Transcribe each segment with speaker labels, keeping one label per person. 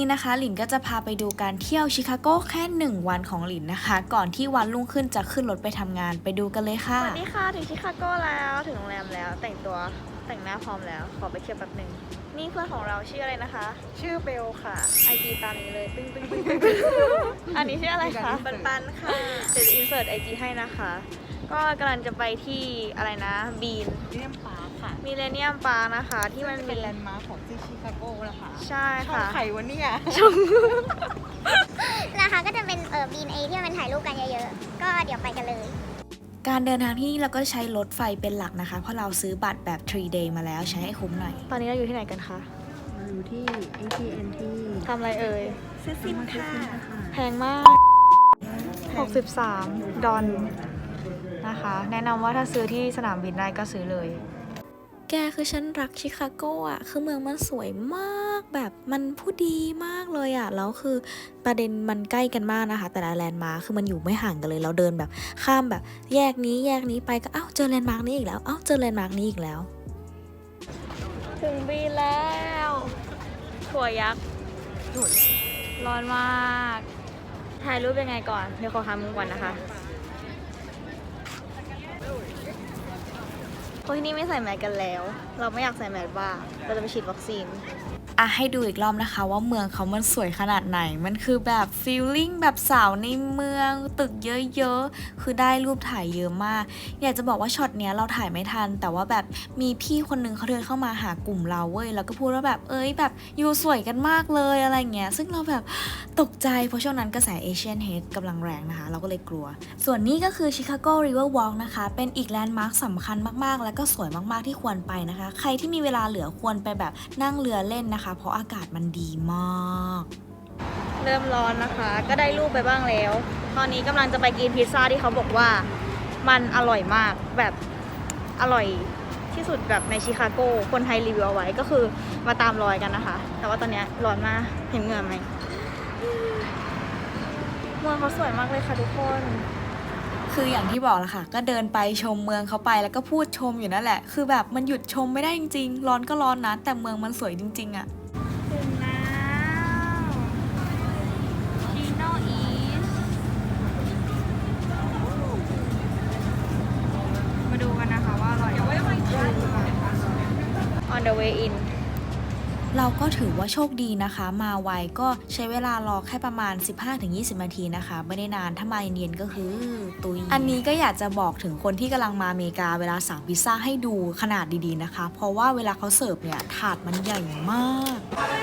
Speaker 1: นะคะหลินก็จะพาไปดูการเที่ยวชิคาโกแค่1 วันของหลินนะคะก่อนที่วันรุ่งขึ้นจะขึ้นรถไปทำงานไปดูกันเลยค่ะ
Speaker 2: สวัสดีค่ะถึงชิคาโกแล้วถึงโรงแรมแล้วแต่งหน้าพร้อมแล้วขอไปเที่ยวแป๊บหนึ่งนี่เพื่อนของเราชื่ออะไรนะคะชื่อเบลค่ะ IG ตามนี้เลยตึ้งอันนี้ชื่ออะไรคะปันค่ะเดี๋ยวจะอินเสิร์ต IG ให้นะคะก็กำลังจะไปที่อะไรนะบีน
Speaker 3: มิเลเนียมปาร์คค่ะ
Speaker 2: มิเลเนียมปาร์คนะคะที่มัน
Speaker 3: เป็นแลนด์มาร์คของที่ชิคาโกนะคะ
Speaker 2: ใช่ค่ะ
Speaker 3: ช่องไข่วันนี้
Speaker 4: นะคะก็จะเป็นบีนเอที่มันถ่ายรูปกันเยอะๆ ก็เดี๋ยวไปกันเลย
Speaker 1: การเดินทางที่นี่เราก็ใช้รถไฟเป็นหลักนะคะเพราะเราซื้อบัตรแบบ 3 day มาแล้วใช้ให้คุ้มหน่อย
Speaker 2: ตอนนี้เราอยู่ที่ไหนกันคะ
Speaker 3: อยู่ที่ AT&T
Speaker 2: ทำอะไรเอ่ย
Speaker 3: ซื้อซิมค่ะ
Speaker 2: แพงมาก63 ดอลนะคะแนะนำว่าถ้าซื้อที่สนามบินได้ก็ซื้อเลย
Speaker 1: แกคือฉันรักชิคาโกอ่ะคือเมืองมันสวยมากแบบมันผู้ดีมากเลยอ่ะแล้วคือประเด็นมันใกล้กันมากนะคะแต่ละแลนด์มาร์คคือมันอยู่ไม่ห่างกันเลยเราเดินแบบข้ามแบบแยกนี้ไปก็เจอแลนด์มาร์คนี้อีกแล้วเจอแลนด์มาร์คนี้อีกแล้ว
Speaker 2: ถึงบีแล้วถั่วยักษ์ร้อนมากถ่ายรูปยังไงก่อนเดี๋ยวขอทำมุมก่อนนะคะคนที่นี่ไม่ใส่แมสกันแล้วเราไม่อยากใส่แมสบ้างเราจะไปฉีดวัคซีน
Speaker 1: ให้ดูอีกรอบนะคะว่าเมืองเขามันสวยขนาดไหนมันคือแบบฟีลลิ่งแบบสาวในเมืองตึกเยอะๆคือได้รูปถ่ายเยอะมากอยากจะบอกว่าช็อตเนี้ยเราถ่ายไม่ทันแต่ว่าแบบมีพี่คนนึงเขาเดินเข้ามาหากลุ่มเราเว้ยแล้วก็พูดว่าแบบแบบอยู่สวยกันมากเลยอะไรเงี้ยซึ่งเราแบบตกใจเพราะช่วงนั้นกระแสเอเชียนเฮดกำลังแรงนะคะเราก็เลยกลัวส่วนนี้ก็คือชิคาโกริเวอร์วอล์กนะคะเป็นอีกแลนด์มาร์คสำคัญมากๆแล้วก็สวยมากๆที่ควรไปนะคะใครที่มีเวลาเหลือควรไปแบบนั่งเรือเล่นนะคะเพราะอากาศมันดีมาก
Speaker 2: เริ่มร้อนนะคะก็ได้รูปไปบ้างแล้วตอนนี้กำลังจะไปกินพิซซ่าที่เขาบอกว่ามันอร่อยมากแบบอร่อยที่สุดแบบในชิคาโกคนไทยรีวิวเอาไว้ก็คือมาตามรอยกันนะคะแต่ว่าตอนนี้ร้อนมากเห็นเหงื่อไหมเมืองเขาสวยมากเลยค่ะทุกคน
Speaker 1: คืออย่างที่บอกละค่ะก็เดินไปชมเมืองเขาไปแล้วก็พูดชมอยู่นั่นแหละคือแบบมันหยุดชมไม่ได้จริงๆร้อนก็ร้อนนะแต่เมืองมันสวยจริงๆอะ
Speaker 2: ถึงแล้วชิโนอีสมาดูกันนะคะว่าอร่อยไหม On the way in
Speaker 1: เราก็ถือว่าโชคดีนะคะมาไวก็ใช้เวลารอแค่ประมาณ 15-20 นาทีนะคะไม่ได้นานถ้ามาเย็นๆก็คือตุยอันนี้ก็อยากจะบอกถึงคนที่กำลังมาอเมริกาเวลาสั่งพิซซ่าให้ดูขนาดดีๆนะคะเพราะว่าเวลาเขาเสิร์ฟเนี่ยถาดมันใหญ่มาก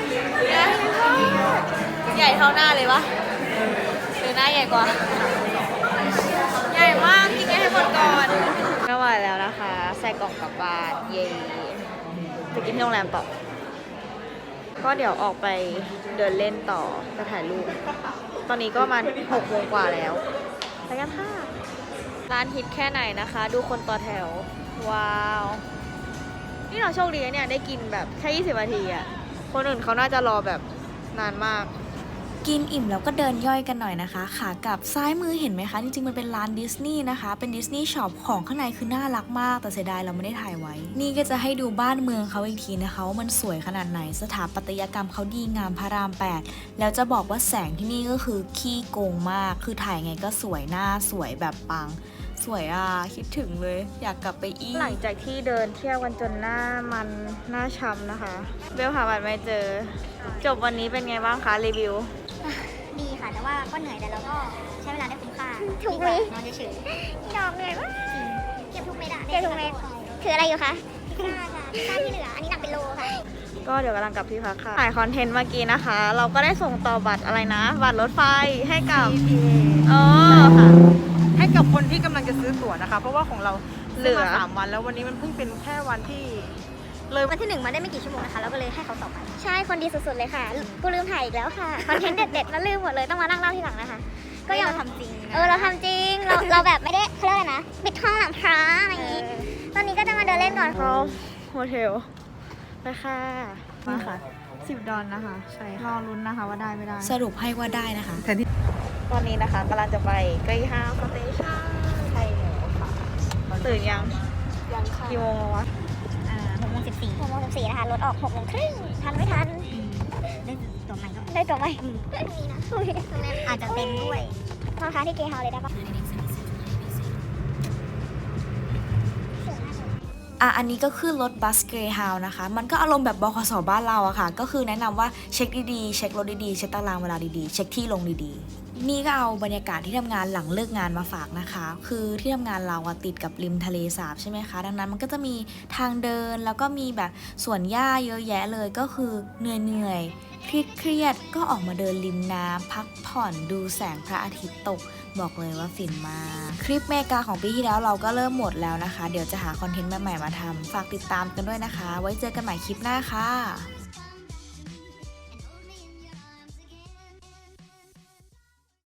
Speaker 2: ใหญ่เท่าหน้าเลยวะหรือหน้าใหญ่กว่าใหญ่มากกินให้หมดก่อนไม่ไหวแล้วนะคะใส่กล่องกลับบ้านเย่ไปกินที่โรงแรมต่อก็เดี๋ยวออกไปเดินเล่นต่อจะถ่ายรูปตอนนี้ก็มา6 โมงกว่าแล้วไปกันค่ะร้านฮิตแค่ไหนนะคะดูคนต่อแถวว้าวนี่เราโชคดีเนี่ยได้กินแบบแค่20 นาทีอ่ะคนอื่นเขาน่าจะรอแบบนานมาก
Speaker 1: กินอิ่มแล้วก็เดินย่อยกันหน่อยนะคะขากลับซ้ายมือเห็นไหมคะจริงๆมันเป็นร้านดิสนีย์นะคะเป็นดิสนีย์ช็อปของข้างในคือน่ารักมากแต่เสียดายเราไม่ได้ถ่ายไว้นี่ก็จะให้ดูบ้านเมืองเขาอีกทีนะคะว่ามันสวยขนาดไหนสถาปัตยกรรมเขาดีงามพระราม 8แล้วจะบอกว่าแสงที่นี่ก็คือขี้โกงมากคือถ่ายไงก็สวยหน้าสวยแบบปังสวยคิดถึงเลยอยากกลับไปอีก
Speaker 2: หลังจากที่เดินเที่ยวกันจนหน้าช้ำนะคะเบลหาบัตรไม่เจอจบวันนี้เป็นไงบ้างคะรีวิว
Speaker 4: ดีค่ะแต่ว่าก็เหนื่อยแต่เราก็ใช้เวลาได้คุ้มค่าถูกไหมนอนเฉยๆดอกเหนื่อยมากเก็บทุกเม็ดเก็บทุกเม็ดคืออะไรอยู่คะพิซซ่าค่ะพิซซ่าที่เหลืออันนี้หนักเป็นโลค่ะ
Speaker 2: ก็เดี๋ยวกำลังกลับที่พักค่ะถ่ายคอนเทนต์เมื่อกี้นะคะ เราก็ได้ส่งต่อบัตรอะไรนะบัตรรถไฟให้กับ
Speaker 3: ค่ะให้กับคนที่กำลังจะซื้อตั๋วนะคะเพราะว่าของเราเหลือ3 วันแล้ววันนี้มันเพิ่งเป็นแค่วันที่
Speaker 4: เลยวันที่1มาได้ไม่กี่ชั่วโมงนะคะแล้วก็เลยให้เขาต่อไปใช่คนดีสุดๆเลยค่ะกูลืมถ่ายอีกแล้วค่ะคอนเทนต์เด็ดๆแล้วลืมหมดเลยต้องมานั่งเล่าทีหลังนะคะก็ยังทำจริงเราทำจริงเราแบบไม่ได้เขาเรียกอะไรนะปิดห้องหลังพระอะไรอย่างนี้ตอนนี้ก็จะมาเดินเล่นก่อน
Speaker 2: เขาโฮเทลไปค่ะมาค่ะ10 ดอลนะคะใช่รอลุ้นนะคะว่าได้ไม่ได้
Speaker 1: สรุปให้ว่าได้นะคะ
Speaker 2: ตอนนี้นะคะกำลังจะไปเกรย์ฮาวส์สเตชันไทยหมูค่ะตื่นยังค่ะกี่โมงวะ
Speaker 4: 6:14นะคะรถออก6:30ทันไม่ทันได้ตัวใหม่มีนะโรงแรมอาจจะเต็มด้วยนอนค้างที่เกย์เฮาส์เลยได้ปะ
Speaker 1: อันนี้ก็คือรถบัสเกรย์ฮาวน์นะคะ มันก็อารมณ์แบบบขสบ้านเราอะค่ะ ก็คือแนะนำว่าเช็คดีๆ เช็ครถดีๆ เช็คตารางเวลาดีๆ เช็คที่ลงดีๆ นี่ก็เอาบรรยากาศที่ทำงานหลังเลิกงานมาฝากนะคะ คือที่ทำงานเราอะติดกับริมทะเลสาบใช่ไหมคะ ดังนั้นมันก็จะมีทางเดินแล้วก็มีแบบสวนหญ้าเยอะแยะเลย ก็คือเหนื่อยเครียดๆก็ออกมาเดินริมน้ำพักผ่อนดูแสงพระอาทิตย์ตก บอกเลยว่าฟินมาก คลิปเมกาของปีที่แล้วเราก็เริ่มหมดแล้วนะคะ เดี๋ยวจะหาคอนเทนต์ใหม่ๆมาทำฝากติดตามกันด้วยนะคะ ไว้เจอกันใหม่คลิปหน้าค่ะ